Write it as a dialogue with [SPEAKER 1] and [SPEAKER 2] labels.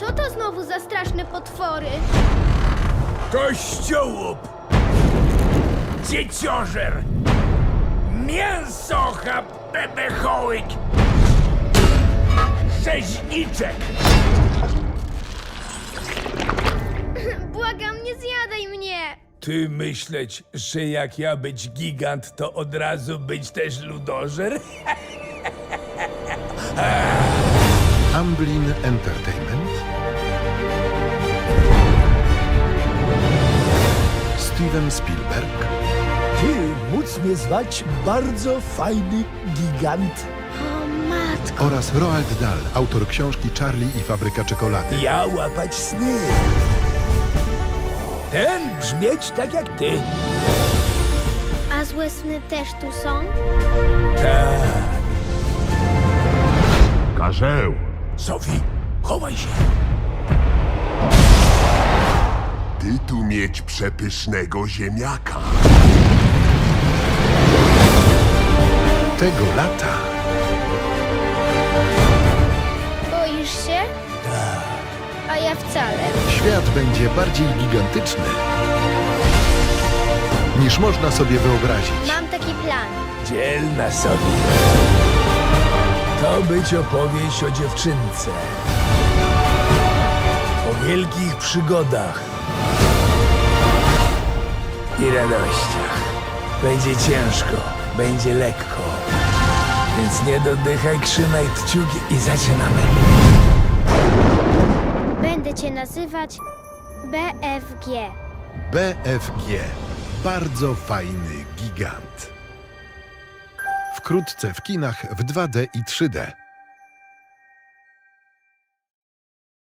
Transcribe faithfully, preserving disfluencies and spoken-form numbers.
[SPEAKER 1] Co to znowu za straszne potwory?
[SPEAKER 2] Kościołup! Dzieciożer! Mięsocha bebechołyk! Rzeźniczek!
[SPEAKER 1] Błagam, nie zjadaj mnie!
[SPEAKER 2] Ty myśleć, że jak ja być gigant, to od razu być też ludożer?
[SPEAKER 3] Amblin Entertainment, Steven Spielberg,
[SPEAKER 4] Ty móc mnie zwać bardzo fajny gigant.
[SPEAKER 1] O matko!
[SPEAKER 3] oraz Roald Dahl, autor książki Charlie i fabryka czekolady.
[SPEAKER 4] Ja łapać sny. Ten brzmieć tak jak ty.
[SPEAKER 1] A złe sny też tu są?
[SPEAKER 2] Tak.
[SPEAKER 5] Karzeł!
[SPEAKER 4] Sophie, chowaj się.
[SPEAKER 5] Ty tu mieć przepysznego ziemniaka.
[SPEAKER 3] Tego lata
[SPEAKER 1] Boisz się? Tak. A ja wcale.
[SPEAKER 3] świat będzie bardziej gigantyczny, niż można sobie wyobrazić.
[SPEAKER 1] Mam taki plan.
[SPEAKER 2] Dzielna sobie. To być opowieść o dziewczynce. O wielkich przygodach. I radościach. Będzie ciężko, będzie lekko. Więc nie dodychaj, trzymaj kciuki i zaczynamy.
[SPEAKER 1] Będę cię nazywać B F G.
[SPEAKER 3] B F G. Bardzo fajny gigant. Wkrótce w kinach w dwa D i trzy D.